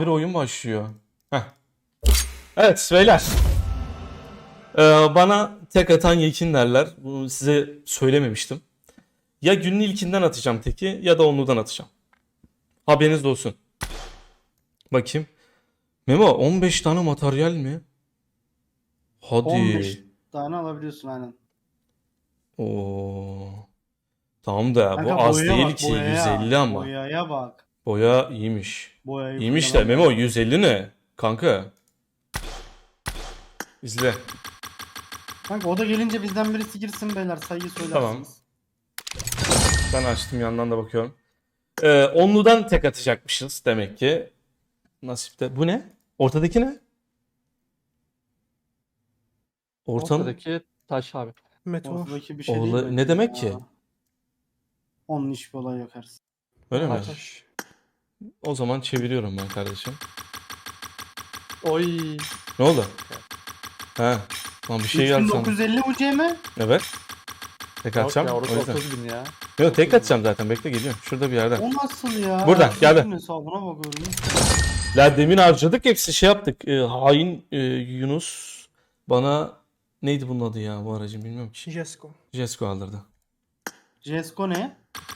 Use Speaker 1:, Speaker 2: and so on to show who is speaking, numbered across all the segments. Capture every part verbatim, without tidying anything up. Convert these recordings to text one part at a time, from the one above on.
Speaker 1: Bir oyun başlıyor. Heh. Evet beyler. Ee, bana tek atan yekin derler. Bunu size söylememiştim. Ya günün ilkinden atacağım teki ya da onludan atacağım. Haberiniz de olsun. Bakayım. Memo on beş tane materyal mi? Hadi.
Speaker 2: on beş tane alabiliyorsun aynen.
Speaker 1: Oo. Tamam da
Speaker 2: Kanka
Speaker 1: bu az
Speaker 2: boyaya
Speaker 1: değil
Speaker 2: bak,
Speaker 1: ki
Speaker 2: boyaya.
Speaker 1: yüz elli ama.
Speaker 2: Boyaya bak.
Speaker 1: Boya iyiymiş.
Speaker 2: Boyayı
Speaker 1: İyiymiş de
Speaker 2: kullanalım.
Speaker 1: Memo yüz elli ne? Kanka. İzle.
Speaker 2: Kanka o da gelince bizden birisi girsin beyler, sayıyı söylersiniz.
Speaker 1: Ben açtım, yandan da bakıyorum. Ee, onludan tek atacakmışız demek ki. Nasipte. Bu ne? Ortadaki ne? Ortanın
Speaker 3: Ortadaki taş abi.
Speaker 4: Meteor.
Speaker 2: Ortadaki bir şey
Speaker 1: Oğla-
Speaker 2: değil bence
Speaker 1: ne demek
Speaker 2: ya.
Speaker 1: ki?
Speaker 2: Onun hiçbir olay yok Ersin.
Speaker 1: Öyle mi?
Speaker 3: Taş.
Speaker 1: O zaman çeviriyorum ben kardeşim.
Speaker 3: Oy.
Speaker 1: Ne oldu? He. Lan bir şey geldi sandım.
Speaker 2: üç bin dokuz yüz elli U C mi?
Speaker 1: Evet. Tek
Speaker 3: Yok
Speaker 1: atacağım.
Speaker 3: ya
Speaker 1: O
Speaker 3: orası
Speaker 1: yüzden.
Speaker 3: otuz bin ya.
Speaker 1: Yok, tek atacağım zaten. Bekle, geliyorum. Şurada bir yerde.
Speaker 2: O nasıl ya?
Speaker 1: Buradan, geldi.
Speaker 2: Ersin'in hesabına bakıyorum.
Speaker 1: La demin harcadık, hepsi şey yaptık. Ee, hain e, Yunus bana neydi bunun adı ya, bu aracın bilmiyorum ki.
Speaker 4: Jesko.
Speaker 1: Jesko aldırdı.
Speaker 2: Cesko ne?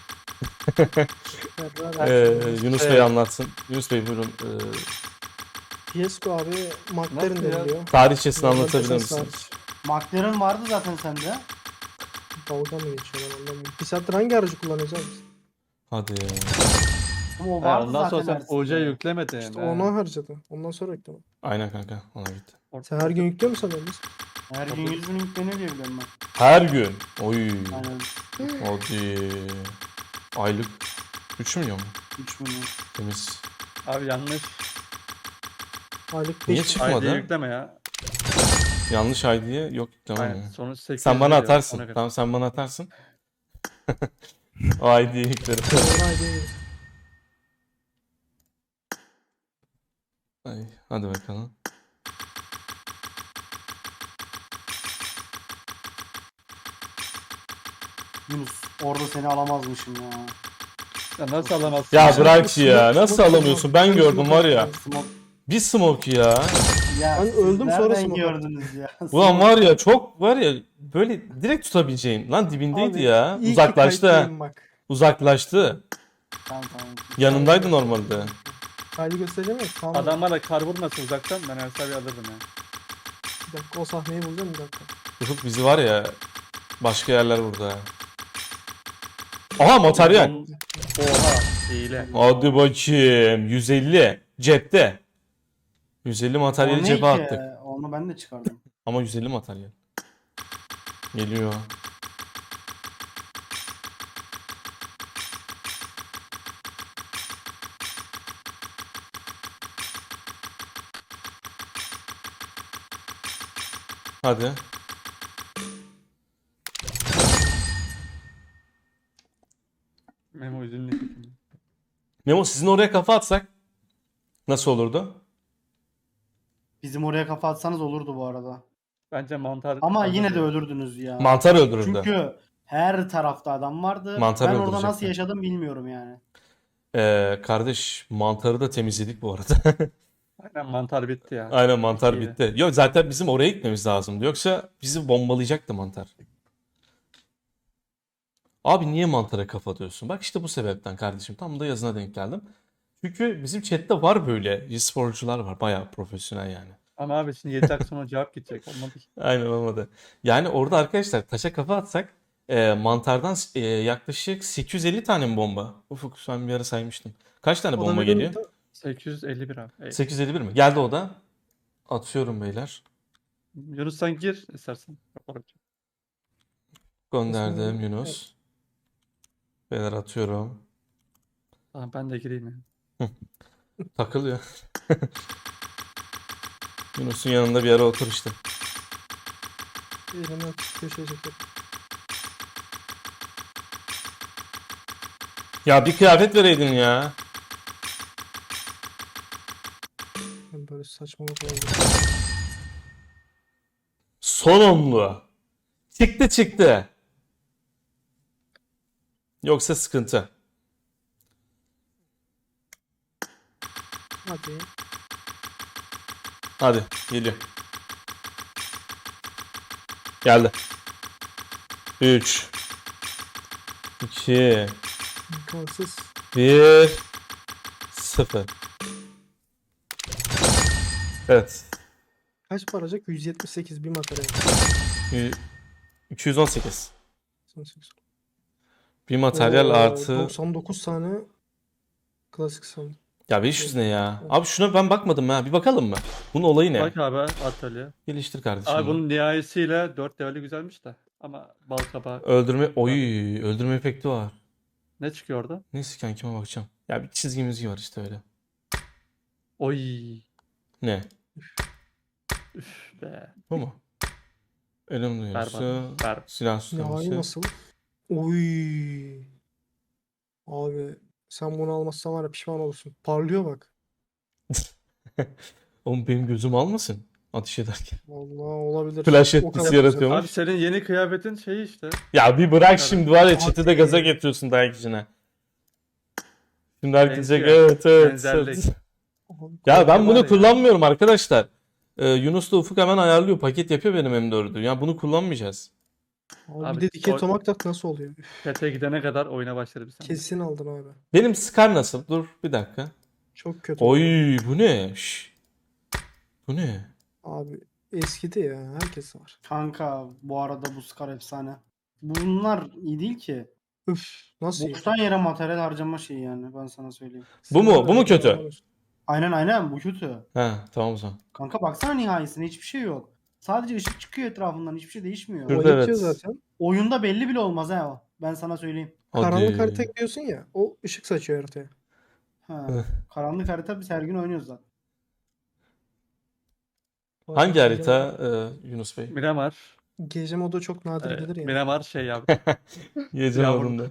Speaker 4: Ferrari.
Speaker 1: Ee, Yunus Bey
Speaker 3: Evet.
Speaker 1: anlatsın. Yunus Bey buyurun. Ee,
Speaker 4: Jesko abi McLaren
Speaker 3: Nasıl ya?
Speaker 4: deniliyor.
Speaker 1: tarihçesini
Speaker 4: Normal
Speaker 1: anlatabilir
Speaker 4: esas
Speaker 1: misiniz?
Speaker 4: hariç.
Speaker 2: McLaren vardı zaten sende.
Speaker 4: Dalga mı geçiyor ben anlamıyorum. Bir saattir hangi aracı kullanıyoruz abi?
Speaker 1: Hadi.
Speaker 2: Ama o
Speaker 3: Ha,
Speaker 2: vardı
Speaker 3: ondan sonra
Speaker 2: zaten
Speaker 3: sen
Speaker 2: Ersin'de.
Speaker 3: O C yüklemedin.
Speaker 4: İşte
Speaker 3: he.
Speaker 4: ona harcadı. Ondan sonra ekledim.
Speaker 1: Aynen kanka, ona gitti.
Speaker 4: Sen her gün yüklüyor musun sanıyorsun?
Speaker 2: Her gün yüz bin yükleniyor diye biliyorum ben.
Speaker 1: Her gün. Oy.
Speaker 2: Aynen.
Speaker 1: Hadi. Aylık üç milyon mu?
Speaker 2: üç milyon.
Speaker 1: Temiz.
Speaker 3: Abi yanlış.
Speaker 4: Aylık
Speaker 1: Niye
Speaker 4: beş
Speaker 1: çıkmadı?
Speaker 3: I D yükleme ya.
Speaker 1: Yanlış I D'ye yok, tamam
Speaker 3: Aynen.
Speaker 1: mı?
Speaker 3: Sonuç sekiz
Speaker 1: Sen bana
Speaker 3: veriyor,
Speaker 1: atarsın.
Speaker 3: ona göre.
Speaker 1: Tamam, sen bana atarsın. O I D'yi yüklerim.
Speaker 4: Doğru ay değil.
Speaker 1: Ay, hadi bakalım.
Speaker 2: Yunus orada seni alamazmışım ya.
Speaker 3: Ya nasıl alamazsın?
Speaker 1: Ya
Speaker 4: Sen
Speaker 1: bırak
Speaker 4: smoke-
Speaker 1: ya. Nasıl
Speaker 4: smoke
Speaker 1: alamıyorsun?
Speaker 4: yapma.
Speaker 1: Ben
Speaker 4: Sen
Speaker 1: gördüm
Speaker 4: smoke
Speaker 1: var ya.
Speaker 4: yapma.
Speaker 2: Smoke.
Speaker 1: Bir smoke ya.
Speaker 2: Ya
Speaker 4: Ben
Speaker 2: siz
Speaker 4: öldüm, sonra
Speaker 2: nereden
Speaker 4: smoke
Speaker 2: gördünüz ya?
Speaker 1: Ulan var ya, çok var ya, böyle direkt tutabileceğin. Lan dibindeydi
Speaker 4: Abi,
Speaker 1: ya.
Speaker 4: iyi ki
Speaker 1: Uzaklaştı. ha.
Speaker 4: kayıtlıyım bak.
Speaker 1: Uzaklaştı.
Speaker 2: Tamam tamam.
Speaker 1: Yanındaydı normalde.
Speaker 4: Kaydı göstereceğim ya. Tamam.
Speaker 3: Adam bana kar vurmasın uzaktan ben Ersab'i alırdım ya.
Speaker 4: Bir dakika o sahneyi bulacağım bir dakika.
Speaker 1: Ufuk bizi var ya, başka yerler burada. Aha, materyal.
Speaker 3: Oha. Hile.
Speaker 1: Hadi bakayım. yüz elli cepte. yüz elli
Speaker 2: O
Speaker 1: materyali
Speaker 2: ne
Speaker 1: cebe
Speaker 2: ki?
Speaker 1: attık.
Speaker 2: Onu ben de çıkardım.
Speaker 1: Ama yüz elli materyal. Geliyor. Hadi.
Speaker 3: Memo üzünlü.
Speaker 1: Memo, sizin oraya kafa atsak nasıl olurdu?
Speaker 2: Bizim oraya kafa atsanız olurdu bu arada.
Speaker 3: Bence mantar.
Speaker 2: Ama yine de ölürdünüz ya.
Speaker 1: Mantar öldürürdü.
Speaker 2: Çünkü her tarafta adam vardı.
Speaker 1: Mantar
Speaker 2: ben orada
Speaker 1: öldürecekler.
Speaker 2: nasıl yaşadım bilmiyorum yani.
Speaker 1: Ee, kardeş, mantarı da temizledik bu arada.
Speaker 3: Aynen mantar bitti ya.
Speaker 1: Aynen, mantar
Speaker 3: İyi.
Speaker 1: bitti. Yok, zaten bizim oraya gitmemiz lazımdı. Yoksa bizi bombalayacaktı mantar. Abi niye mantara kafa atıyorsun? Bak işte bu sebepten kardeşim. Tam da yazına denk geldim. Çünkü bizim chatte var böyle e-sporcular var. Bayağı profesyonel yani.
Speaker 3: Ama abi şimdi yedi dakika sonra cevap gidecek. Olmadı ki.
Speaker 1: Aynen, olmadı. Yani orada arkadaşlar taşa kafa atsak e, mantardan e, yaklaşık sekiz yüz elli tane mi bomba? Ufuk, sen bir ara saymıştın. Kaç tane bomba
Speaker 4: Olabilir
Speaker 1: geliyor?
Speaker 4: mi?
Speaker 3: sekiz yüz elli bir abi. Ey.
Speaker 1: sekiz yüz elli bir mi? Geldi o da. Atıyorum beyler.
Speaker 3: Yunus sen gir istersen.
Speaker 1: Gönderdim
Speaker 4: Aslında-
Speaker 1: Yunus. Beyler atıyorum.
Speaker 3: Tamam ben de gireyim ya.
Speaker 1: Takılıyor. Yunus'un yanında bir ara otur işte.
Speaker 4: Elimi açıp köşeye çekelim.
Speaker 1: Ya bir kıyafet vereydin ya.
Speaker 4: Ben böyle saçmalık oldu.
Speaker 1: Son onlu. Çıktı çıktı. Yoksa sıkıntı.
Speaker 4: Hadi.
Speaker 1: Hadi geliyor. Geldi. üç iki
Speaker 4: İmkansız.
Speaker 1: bir sıfır. Evet.
Speaker 4: Kaç paracak? yüz yetmiş sekiz bir materyal.
Speaker 1: y- iki yüz on sekiz.
Speaker 4: doksan sekiz.
Speaker 1: Bir materyal
Speaker 4: Oo,
Speaker 1: artı.
Speaker 4: doksan dokuz tane klasik sandık.
Speaker 1: Ya beş yüz ne ya? Abi şuna ben bakmadım ha. Bir bakalım mı? Bunun olayı ne?
Speaker 3: Bak abi atölye.
Speaker 1: Geliştir kardeşim.
Speaker 3: Abi
Speaker 1: bunu.
Speaker 3: bunun nihayesiyle dört leveli güzelmiş de. Ama bal kabağı.
Speaker 1: Öldürme. Oy, öldürme efekti var.
Speaker 3: Ne çıkıyor orada?
Speaker 1: Neyse kankime bakacağım. Ya bir çizgi müziği var işte öyle.
Speaker 3: Oy.
Speaker 1: Ne?
Speaker 3: Üf be.
Speaker 1: Bu mu? Ölüm duyurusu.
Speaker 3: Berbat. Berbat.
Speaker 1: Silah
Speaker 4: Nihai
Speaker 1: tutuması.
Speaker 4: nasıl? Oy. Abi sen bunu almazsan var ya pişman olursun. Parlıyor bak.
Speaker 1: Oğlum benim gözüm almasın ateş ederken.
Speaker 4: Vallahi olabilir.
Speaker 1: Flash
Speaker 4: O
Speaker 1: etkisi
Speaker 4: kadar
Speaker 1: yaratıyormuş.
Speaker 3: Abi senin yeni kıyafetin şey işte.
Speaker 1: Ya bir bırak
Speaker 3: Evet.
Speaker 1: şimdi var ya
Speaker 4: Hadi.
Speaker 1: chat'i de gaza getiriyorsun dayak içine. Şimdi herkes diyecek
Speaker 3: Benziyor.
Speaker 1: evet evet.
Speaker 3: Benzerlik.
Speaker 1: evet.
Speaker 4: güzel.
Speaker 1: Ya ben
Speaker 3: var
Speaker 1: bunu
Speaker 3: ya.
Speaker 1: kullanmıyorum arkadaşlar. Ee, Yunus da Ufuk hemen ayarlıyor. Paket yapıyor benim M dördü. Ya bunu kullanmayacağız.
Speaker 4: Abi,
Speaker 3: Abi,
Speaker 4: bir de dikey
Speaker 3: o-
Speaker 4: tomak tak nasıl oluyor? Üf,
Speaker 3: Chat'e gidene kadar oyuna başlarız sen.
Speaker 4: kesin aldın abi.
Speaker 1: Benim Scar nasıl? Dur bir dakika.
Speaker 4: Çok kötü.
Speaker 1: Oy bu ne? Şş. Bu ne?
Speaker 4: Abi eskidi ya. Herkes var.
Speaker 2: Kanka bu arada bu Scar efsane. Bunlar iyi değil ki.
Speaker 4: Üf nasıl iyi?
Speaker 2: Boştan yere materyal harcama şeyi yani ben sana söyleyeyim.
Speaker 1: Bu mu? Bu mu kötü?
Speaker 2: Aynen aynen bu kötü.
Speaker 1: Ha tamam o zaman.
Speaker 2: Kanka baksana nihayesinde hiçbir şey yok. Sadece ışık çıkıyor etrafından hiçbir şey değişmiyor.
Speaker 1: Dur.
Speaker 4: O
Speaker 1: Şurada
Speaker 4: yetiyor
Speaker 1: evet.
Speaker 4: zaten.
Speaker 2: Oyunda belli bile olmaz ha o. Ben sana söyleyeyim.
Speaker 4: Karanlık
Speaker 1: Hadi.
Speaker 4: harita ekliyorsun ya. O ışık saçıyor haritaya.
Speaker 2: Ha. Karanlık harita biz her gün oynuyoruz zaten.
Speaker 1: Hangi
Speaker 4: Gece
Speaker 1: harita
Speaker 4: modu-
Speaker 1: e, Yunus Bey?
Speaker 3: Miramar.
Speaker 4: Gece modu çok nadir
Speaker 3: Ee,
Speaker 4: gelir ya.
Speaker 3: Miramar şey abi.
Speaker 1: Gece
Speaker 3: Yavrum.
Speaker 1: modunda.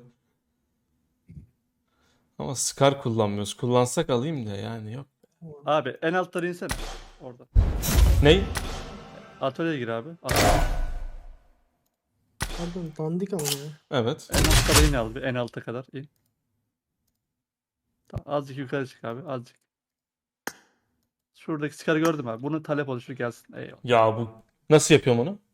Speaker 1: Ama Scar kullanmıyoruz. Kullansak alayım da yani yok.
Speaker 3: Abi en altlara insene. Orada.
Speaker 1: Ney?
Speaker 3: Atölyeye gir abi. Atölye.
Speaker 4: Pardon dandik ama ya.
Speaker 1: Evet.
Speaker 3: En altlara in abi. En alta kadar in. Tamam, azıcık yukarı çık abi. Azıcık. Şuradaki skarı gördüm abi. Bunun talep oluşu gelsin. Eyvallah.
Speaker 1: Ya bu nasıl yapıyorum onu?